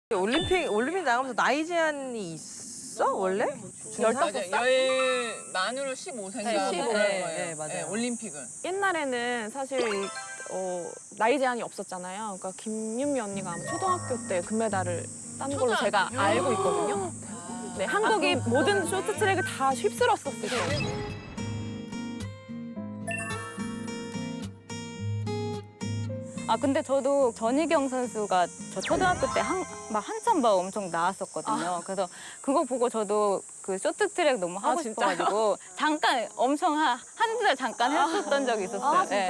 올림픽 나가면서 나이 제한이 있어 원래? 맞아요. 열 만으로 15세인가 네, 15. 그런 네, 거예요. 네, 맞아요. 올림픽은. 옛날에는 사실 나이 제한이 없었잖아요. 그러니까 김윤미 언니가 아마 초등학교 때 금메달을 딴 걸로 제가 알고 있거든요. 네, 한국이 모든 쇼트트랙을 다 휩쓸었었을 때. 아 근데 저도 전희경 선수가 저 초등학교 때 한참 막 엄청 나왔었거든요. 그래서 그거 보고 저도 그 쇼트트랙 너무 하고 싶어가지고 잠깐 엄청 한두 달 잠깐 했었던 적이 있었어요. 네.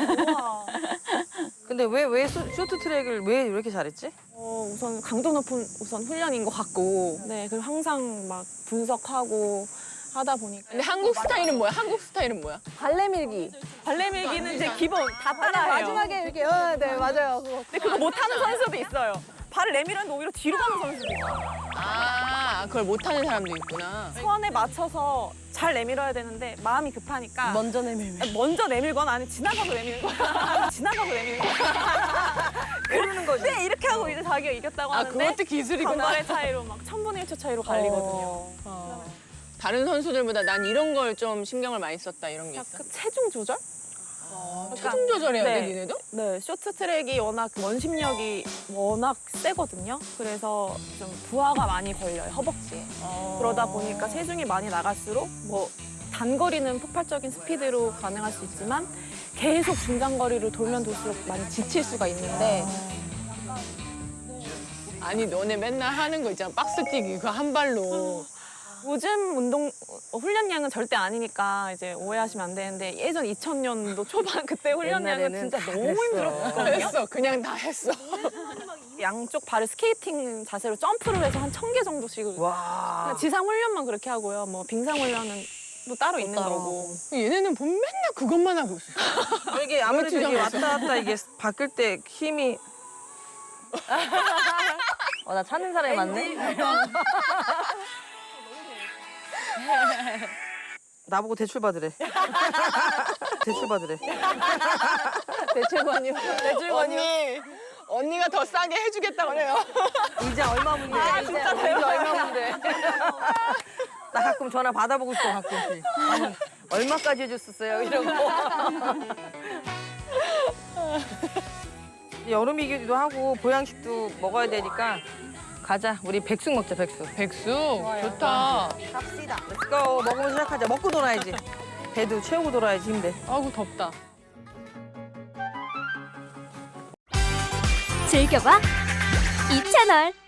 근데 왜 쇼트트랙을 왜 이렇게 잘했지? 우선 강도 높은 훈련인 것 같고, 네, 그리고 항상 막 분석하고 하다 보니까. 근데 한국 스타일은 뭐야? 한국 스타일은 뭐야? 발레 밀기. 발레 밀기는 이제 기본 다 따라해요. 마지막에 이렇게, 네, 맞아요. 그거. 근데 그거 못하는 선수도 있어요. 발을 내밀었는데 오히려 뒤로 가는 선수도 있어요. 아, 그걸 못하는 사람도 있구나. 선에 맞춰서 잘 내밀어야 되는데 마음이 급하니까 먼저 내밀면. 먼저 내밀거나 아니면 지나가서 내미는 거야. 지나가서 내미는 거야. 모르는 거지. 네, 이렇게 하고 이제 자기가 이겼다고 아, 하는데 그것도 기술이구나. 간발의 차이로 막 1000분의 1초 차이로 갈리거든요. 다른 선수들보다 난 이런 걸 좀 신경을 많이 썼다 이런 게 있어. 약간 체중 조절? 체중 조절해야 돼, 네. 니네도? 네, 쇼트트랙이 워낙 원심력이 워낙 세거든요. 그래서 좀 부하가 많이 걸려요, 허벅지에. 그러다 보니까 체중이 많이 나갈수록 뭐 단거리는 폭발적인 스피드로 가능할 수 있지만 계속 중장거리를 돌면 돌수록 많이 지칠 수가 있는데 아니, 너네 맨날 하는 거 있잖아. 박스 뛰기, 그거 한 발로. 요즘 훈련량은 절대 아니니까 이제 오해하시면 안 되는데 예전 2000년도 초반 그때 훈련량은 옛날에는 진짜 다 너무 그랬어. 힘들었거든요. 했어. 그냥 다 했어. 양쪽 발을 스케이팅 자세로 점프를 해서 한 1000개 정도씩 와. 그냥 지상 훈련만 그렇게 하고요. 뭐 빙상 훈련은 또 따로 있는 거고. 얘네는 보면 맨날 그것만 하고 있어. 이게 아무래도 이게 주장해서. 왔다 갔다 이게 바뀔 때 힘이. 나 찾는 사람이 많네. 나보고 대출 받으래. 대출 받으래. 대출관이요. 언니가 더 싸게 해주겠다 그래요. 이자 얼마 문제? 진짜 이자 얼마 문제? 나 가끔 전화 받아보고 싶어 가끔씩. 아니, 얼마까지 해줬었어요? 이러고. 여름이기도 하고 보양식도 먹어야 되니까 가자. 우리 백숙 먹자, 백숙. 백숙 좋다. Let's go. 먹으면 시작하자. 먹고 돌아야지. 배도 채우고 돌아야지 힘내. 아이고 덥다. 즐겨봐 이 채널.